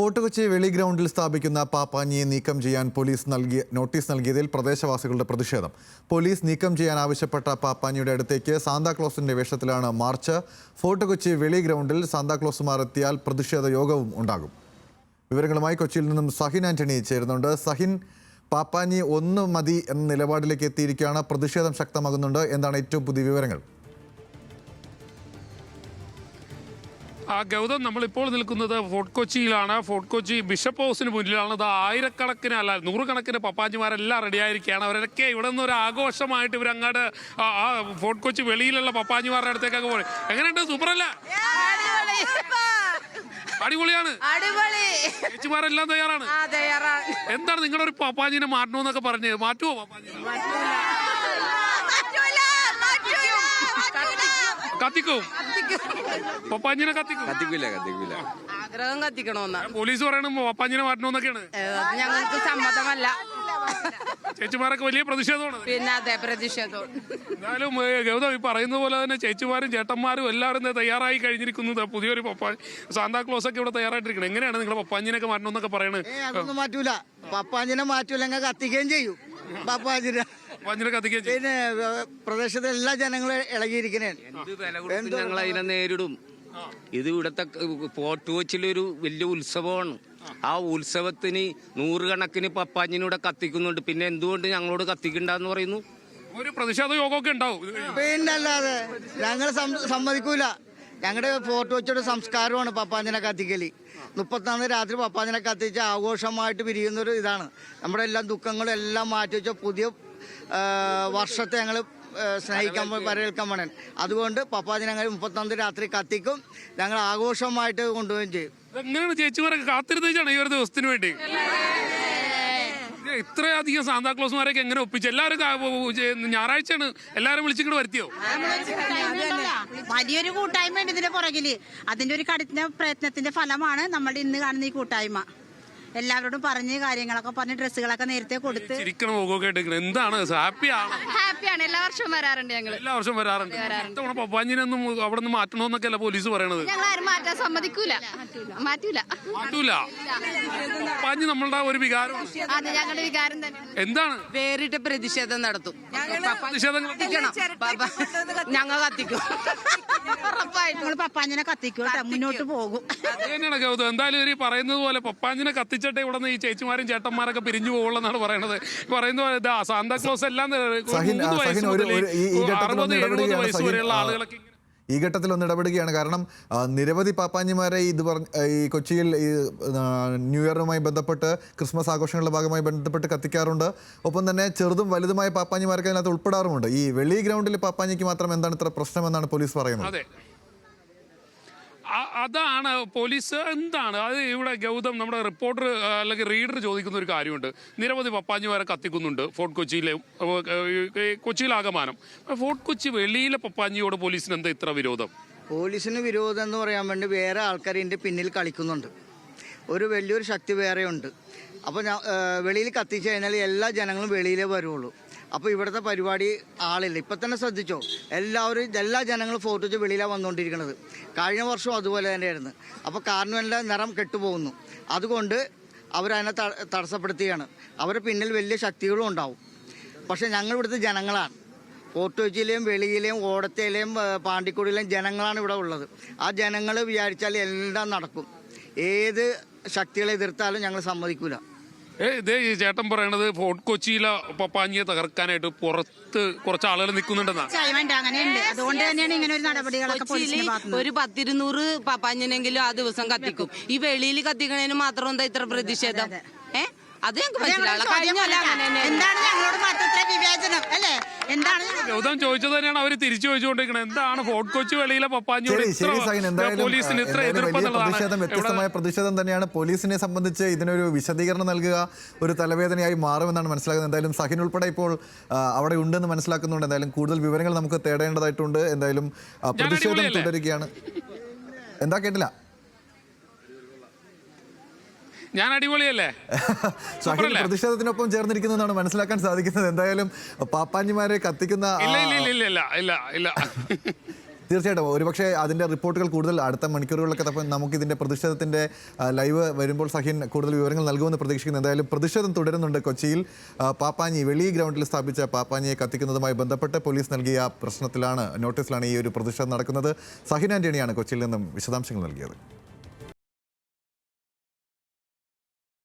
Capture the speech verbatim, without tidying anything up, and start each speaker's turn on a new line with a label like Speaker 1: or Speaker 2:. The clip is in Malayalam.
Speaker 1: ഫോർട്ട് കൊച്ചി വെളി ഗ്രൗണ്ടിൽ സ്ഥാപിക്കുന്ന പാപ്പാഞ്ഞിയെ നീക്കം ചെയ്യാൻ പോലീസ് നൽകിയ നോട്ടീസ് നൽകിയതിൽ പ്രദേശവാസികളുടെ പ്രതിഷേധം. പോലീസ് നീക്കം ചെയ്യാൻ ആവശ്യപ്പെട്ട പാപ്പാഞ്ഞിയുടെ അടുത്തേക്ക് സാന്താക്ലോസിന്റെ വേഷത്തിലാണ് മാർച്ച്. ഫോർട്ട് കൊച്ചി വെളി ഗ്രൗണ്ടിൽ സാന്താക്ലോസുമാർ എത്തിയാൽ പ്രതിഷേധ യോഗവും ഉണ്ടാകും. വിവരങ്ങളുമായി കൊച്ചിയിൽ നിന്നും സഹിൻ ആന്റണി ചേരുന്നുണ്ട്. സഹിൻ, പാപ്പാഞ്ഞി ഒന്ന് മതി എന്ന നിലപാടിലേക്ക് എത്തിയിരിക്കുകയാണ്. പ്രതിഷേധം ശക്തമാകുന്നുണ്ട്. എന്താണ് ഏറ്റവും പുതിയ വിവരങ്ങൾ?
Speaker 2: ആ ഗൗതം, നമ്മളിപ്പോൾ നിൽക്കുന്നത് ഫോർട്ട് കൊച്ചിയിലാണ്. ഫോർട്ട് കൊച്ചി ബിഷപ്പ് ഹൗസിന് മുന്നിലാണ്. അത് ആയിരക്കണക്കിന് അല്ല നൂറുകണക്കിന് പപ്പാജിമാരെല്ലാം റെഡിയായിരിക്കുകയാണ്. അവരൊക്കെ ഇവിടെ നിന്ന് ഒരു ആഘോഷമായിട്ട് ഇവരങ്ങാട് ആ ഫോർട്ട് കൊച്ചി വെളിയിലുള്ള പപ്പാജിമാരുടെ അടുത്തേക്കൊക്കെ പോയി. എങ്ങനെയുണ്ട്? സൂപ്പറല്ല? അടിപൊളിയാണ്. ചേച്ചിമാരെല്ലാം തയ്യാറാണ്. എന്താണ് നിങ്ങളുടെ ഒരു പപ്പാജിനെ മാറ്റണമെന്നൊക്കെ പറഞ്ഞ് മാറ്റുമോ? പപ്പാജിനെ കത്തിക്കും. പപ്പാഞ്ഞിനെ കത്തിക്കും.
Speaker 3: കത്തിക്കില്ല കത്തിക്കില്ല
Speaker 4: ആഗ്രഹം കത്തിക്കണോന്നാ
Speaker 2: പോലീസ് പറയണം പപ്പാഞ്ഞിനെ മാറ്റണമെന്നൊക്കെയാണ്.
Speaker 4: ഞങ്ങൾക്ക് സമ്മതമല്ല.
Speaker 2: ചേച്ചിമാരൊക്കെ വലിയ പ്രതിഷേധമാണ്.
Speaker 4: പിന്നെ അതെ, പ്രതിഷേധം.
Speaker 2: എന്നാലും ഗൗതം ഈ പറയുന്ന പോലെ തന്നെ ചേച്ചിമാരും ചേട്ടന്മാരും എല്ലാവരും തയ്യാറായി കഴിഞ്ഞിരിക്കുന്നത്. പുതിയൊരു പപ്പാ സാന്താക്ലോസ് ഒക്കെ ഇവിടെ തയ്യാറായിട്ടിരിക്കണം. എങ്ങനെയാണ് നിങ്ങൾ പപ്പാഞ്ഞിനൊക്കെ മാറ്റണമെന്നൊക്കെ പറയണത്?
Speaker 5: അതൊന്നും മാറ്റൂല. പപ്പാഞ്ഞിനെ മാറ്റൂല, കത്തിക്കുകയും ചെയ്യും. പപ്പാഞ്ഞിനെ
Speaker 2: പപ്പാഞ്ഞിനെ കത്തിക്കുകയും ചെയ്യും.
Speaker 5: പിന്നെ പ്രദേശത്തെ എല്ലാ ജനങ്ങളും ഇളകിയിരിക്കണേ.
Speaker 3: എന്ത് വില കൊടുത്ത് ഞങ്ങൾ അതിനെ നേരിടും. ഇത് ഇവിടുത്തെ ഫോർട്ട് കൊച്ചിയിലൊരു വലിയ ഉത്സവമാണ്. ആ ഉത്സവത്തിന് നൂറുകണക്കിന് പപ്പാഞ്ഞിനൂടെ കത്തിക്കുന്നുണ്ട്. പിന്നെ എന്തുകൊണ്ട് ഞങ്ങളോട് കത്തിക്കണ്ടെന്ന് പറയുന്നു?
Speaker 2: ഒരു പ്രതിഷേധ യോഗമൊക്കെ ഉണ്ടാവും.
Speaker 5: പിന്നല്ലാതെ ഞങ്ങൾ സമ്മതിക്കൂല. ഞങ്ങളുടെ ഫോർട്ട് കൊച്ചിയുടെ സംസ്കാരമാണ് പപ്പാഞ്ഞിനെ കത്തിക്കല്. മുപ്പത്തൊന്ന് രാത്രി പപ്പാഞ്ഞിനെ കത്തിച്ച് ആഘോഷമായിട്ട് പിരിയുന്നൊരു ഇതാണ്. നമ്മുടെ എല്ലാ ദുഃഖങ്ങളും എല്ലാം മാറ്റി വെച്ച പുതിയ വർഷത്തെ ഞങ്ങൾ സ്നേഹിക്കാൻ വരവേൽക്കാൻ വേണം. അതുകൊണ്ട് പപ്പാഞ്ഞിനെ ഞങ്ങൾ മുപ്പത്തൊന്ന് രാത്രി കത്തിക്കും. ഞങ്ങൾ ആഘോഷമായിട്ട് കൊണ്ടുപോവുകയും ചെയ്യും.
Speaker 2: എങ്ങനെയാണ് ചേച്ചിമാരൊക്കെ കാത്തിരുന്നാണ് ഈ ഒരു ദിവസത്തിന് വേണ്ടി? ഇത്രയധികം സാന്താക്ലോസുമാരൊക്കെ എങ്ങനെ ഒപ്പിച്ചു? എല്ലാവരും ഞായറാഴ്ചയാണ് എല്ലാവരും വിളിച്ചിങ്ങോട്ട് വരുത്തിയോ?
Speaker 6: വലിയൊരു കൂട്ടായ്മ ഉണ്ട് ഇതിന്റെ പുറകില്. അതിന്റെ ഒരു കഠിന പ്രയത്നത്തിന്റെ ഫലമാണ് നമ്മുടെ ഇന്ന് കാണുന്ന ഈ കൂട്ടായ്മ. എല്ലാവരോടും പറഞ്ഞ് കാര്യങ്ങളൊക്കെ പറഞ്ഞ് ഡ്രസ്സുകളൊക്കെ നേരത്തെ കൊടുത്ത്
Speaker 2: എന്താണ് ഹാപ്പിയാണ്?
Speaker 4: ഹാപ്പിയാണ്. എല്ലാ വർഷവും വരാറുണ്ട്. ഞങ്ങൾ
Speaker 2: എല്ലാ വർഷവും വരാറുണ്ട്. പപ്പാഞ്ഞിനൊന്നും അവിടെ നിന്ന് മാറ്റണമെന്നൊക്കെയല്ല പോലീസ് പറയണത്.
Speaker 4: ഞങ്ങൾ ആരും മാറ്റാൻ സമ്മതിക്കൂല. മാറ്റൂല
Speaker 2: മാറ്റൂല. പപ്പാഞ്ഞി നമ്മളുടെ ഒരു വികാരമാണ്.
Speaker 4: അതെ, ഞങ്ങളുടെ വികാരം തന്നെ.
Speaker 2: എന്താണ്?
Speaker 4: വേറിട്ട പ്രതിഷേധം നടത്തും. ഞങ്ങൾ കത്തിക്കും.
Speaker 6: ഞങ്ങൾ പപ്പാഞ്ഞിനെ കത്തിക്കും. മുന്നോട്ട് പോകും.
Speaker 2: തന്നെയാണ് ഗൗതം. എന്തായാലും ഈ പറയുന്നത് പോലെ പപ്പാഞ്ഞിനെ കത്തിച്ചിട്ട് ഇവിടെ നിന്ന് ഈ ചേച്ചിമാരും ചേട്ടന്മാരൊക്കെ പിരിഞ്ഞു പോകുള്ളതാണ് പറയണത്. പറയുന്ന പോലെ സാന്താക്ലോസ് എല്ലാം അറുപത് എഴുപത് വയസ്സ് വരെയുള്ള ആളുകളൊക്കെ
Speaker 1: ഈ ഘട്ടത്തിൽ ഒന്ന് ഇടപെടുകയാണ്. കാരണം നിരവധി പാപ്പാഞ്ഞിമാരെ ഇത് പറഞ്ഞ ഈ കൊച്ചിയിൽ ഈ ന്യൂ ഇയറുമായി ബന്ധപ്പെട്ട് ക്രിസ്മസ് ആഘോഷങ്ങളുടെ ഭാഗമായി ബന്ധപ്പെട്ട് കത്തിക്കാറുണ്ട്. ഒപ്പം തന്നെ ചെറുതും വലുതുമായ പാപ്പാഞ്ഞിമാരൊക്കെ അതിനകത്ത് ഉൾപ്പെടാറുമുണ്ട്. ഈ വെളി ഗ്രൗണ്ടിൽ പാപ്പാഞ്ഞിക്ക് മാത്രം എന്താണ് ഇത്ര പ്രശ്നമെന്നാണ് പോലീസ് പറയുന്നത്.
Speaker 2: അതാണ് പോലീസ് എന്താണ് അത് ഇവിടെ ഗൗതം നമ്മുടെ റിപ്പോർട്ടർ അല്ലെങ്കിൽ റീഡർ ചോദിക്കുന്ന ഒരു കാര്യമുണ്ട്. നിരവധി പപ്പാഞ്ഞിമാരെ കത്തിക്കുന്നുണ്ട് ഫോർട്ട് കൊച്ചിയിലെ കൊച്ചിയിലാകമാനം. ഫോർട്ട് കൊച്ചി വെളിയിലെ പപ്പാഞ്ഞിയോട് പോലീസിന് എന്താ ഇത്ര വിരോധം?
Speaker 5: പോലീസിന് വിരോധം എന്ന് പറയാൻ വേണ്ടി വേറെ ആൾക്കാർ ഇതിൻ്റെ പിന്നിൽ കളിക്കുന്നുണ്ട്. ഒരു വലിയൊരു ശക്തി വേറെയുണ്ട്. അപ്പോൾ വെളിയിൽ കത്തിച്ചു കഴിഞ്ഞാൽ എല്ലാ ജനങ്ങളും വെളിയിലേ വരുള്ളൂ. അപ്പോൾ ഇവിടുത്തെ പരിപാടി ആളില്ല. ഇപ്പം തന്നെ ശ്രദ്ധിച്ചോ, എല്ലാവരും എല്ലാ ജനങ്ങളും ഫോർട്ട് വെച്ച് വെളിയിലാണ് വന്നുകൊണ്ടിരിക്കുന്നത്. കഴിഞ്ഞ വർഷവും അതുപോലെ തന്നെയായിരുന്നു. അപ്പോൾ കാർണിവലിൻ്റെ നിറം കെട്ടുപോകുന്നു. അതുകൊണ്ട് അവരതിനെ തടസ്സപ്പെടുത്തുകയാണ്. അവരുടെ പിന്നിൽ വലിയ ശക്തികളും ഉണ്ടാവും. പക്ഷേ ഞങ്ങൾ ഇവിടുത്തെ ജനങ്ങളാണ്. ഫോർട്ട് കൊച്ചിയിലെയും വെളിയിലെയും ഓടത്തേലെയും പാണ്ടിക്കുടിയിലെയും ജനങ്ങളാണ് ഇവിടെ ഉള്ളത്. ആ ജനങ്ങൾ വിചാരിച്ചാൽ എല്ലാം നടക്കും. ഏത് ശക്തികളെ എതിർത്താലും ഞങ്ങൾ സമ്മതിക്കൂല.
Speaker 2: ഏ ഇതേ ഈ ചേട്ടൻ പറയണത് ഫോർട്ട് കൊച്ചിയിലെ പപ്പാഞ്ഞിയെ തകർക്കാനായിട്ട് പുറത്ത് കുറച്ച് ആളുകൾ നിൽക്കുന്നുണ്ടെന്നാ.
Speaker 6: അതുകൊണ്ട് തന്നെയാണ് ഇങ്ങനെ ഒരു നടപടികളൊക്കെ.
Speaker 4: ഒരു പത്തിരുന്നൂറ് പപ്പാഞ്ഞിനെങ്കിലും ആ ദിവസം കത്തിക്കും. ഈ വെളിയിൽ കത്തിക്കണേന് മാത്രം എന്താ ഇത്ര പ്രതിഷേധം? ഏ അത് ഞങ്ങൾക്ക് മനസ്സിലാവില്ല.
Speaker 6: എന്താണ് ഞങ്ങളോട് മാത്രം വിവേചനം അല്ലേ? എന്താണ്
Speaker 2: ഗൗതം ചോദിച്ചത് തന്നെയാണ് അവർ തിരിച്ചു ചോദിച്ചുകൊണ്ടിരിക്കുന്നത്. എന്താണ് ഫോർട്ട് കൊച്ചി വെളിയിലെ പപ്പാഞ്ഞിയോട് പോലീസിന് ഇത്ര എതിർപ്പ്?
Speaker 1: വ്യത്യസ്തമായ പ്രതിഷേധം തന്നെയാണ്. പോലീസിനെ സംബന്ധിച്ച് ഇതിനൊരു വിശദീകരണം നൽകുക ഒരു തലവേദനയായി മാറുമെന്നാണ് മനസ്സിലാക്കുന്നത്. എന്തായാലും സഹിൻ ഉൾപ്പെടെ ഇപ്പോൾ അവിടെ ഉണ്ടെന്ന് മനസ്സിലാക്കുന്നുണ്ട്. എന്തായാലും കൂടുതൽ വിവരങ്ങൾ നമുക്ക് തേടേണ്ടതായിട്ടുണ്ട്. എന്തായാലും പ്രതിഷേധം തുടരുകയാണ്. എന്താ കേട്ടില്ല?
Speaker 2: ഞാൻ അടിപൊളിയല്ലേ?
Speaker 1: പ്രതിഷേധത്തിനൊപ്പം ചേർന്നിരിക്കുന്നു എന്നാണ് മനസ്സിലാക്കാൻ സാധിക്കുന്നത്. എന്തായാലും പാപ്പാഞ്ഞിമാരെ കത്തിക്കുന്ന തീർച്ചയായിട്ടും ഒരുപക്ഷെ അതിൻ്റെ റിപ്പോർട്ടുകൾ കൂടുതൽ അടുത്ത മണിക്കൂറുകളിലൊക്കെ തപ്പം നമുക്ക് ഇതിൻ്റെ പ്രതിഷേധത്തിൻ്റെ ആ, ലൈവ് വരുമ്പോൾ സഹിൻ കൂടുതൽ വിവരങ്ങൾ നൽകുമെന്ന് പ്രതീക്ഷിക്കുന്നു. എന്തായാലും പ്രതിഷേധം തുടരുന്നുണ്ട്. കൊച്ചിയിൽ ആ, പാപ്പാഞ്ഞി വെളി ഗ്രൗണ്ടിൽ സ്ഥാപിച്ച പാപ്പാഞ്ഞിയെ കത്തിക്കുന്നതുമായി ബന്ധപ്പെട്ട് പോലീസ് നൽകിയ പ്രശ്നത്തിലാണ് നോട്ടീസിലാണ് ഈ ഒരു പ്രതിഷേധം നടക്കുന്നത്. സഹിൻ ആൻ്റണിയാണ് കൊച്ചിയിൽ നിന്നും വിശദാംശങ്ങൾ നൽകിയത്.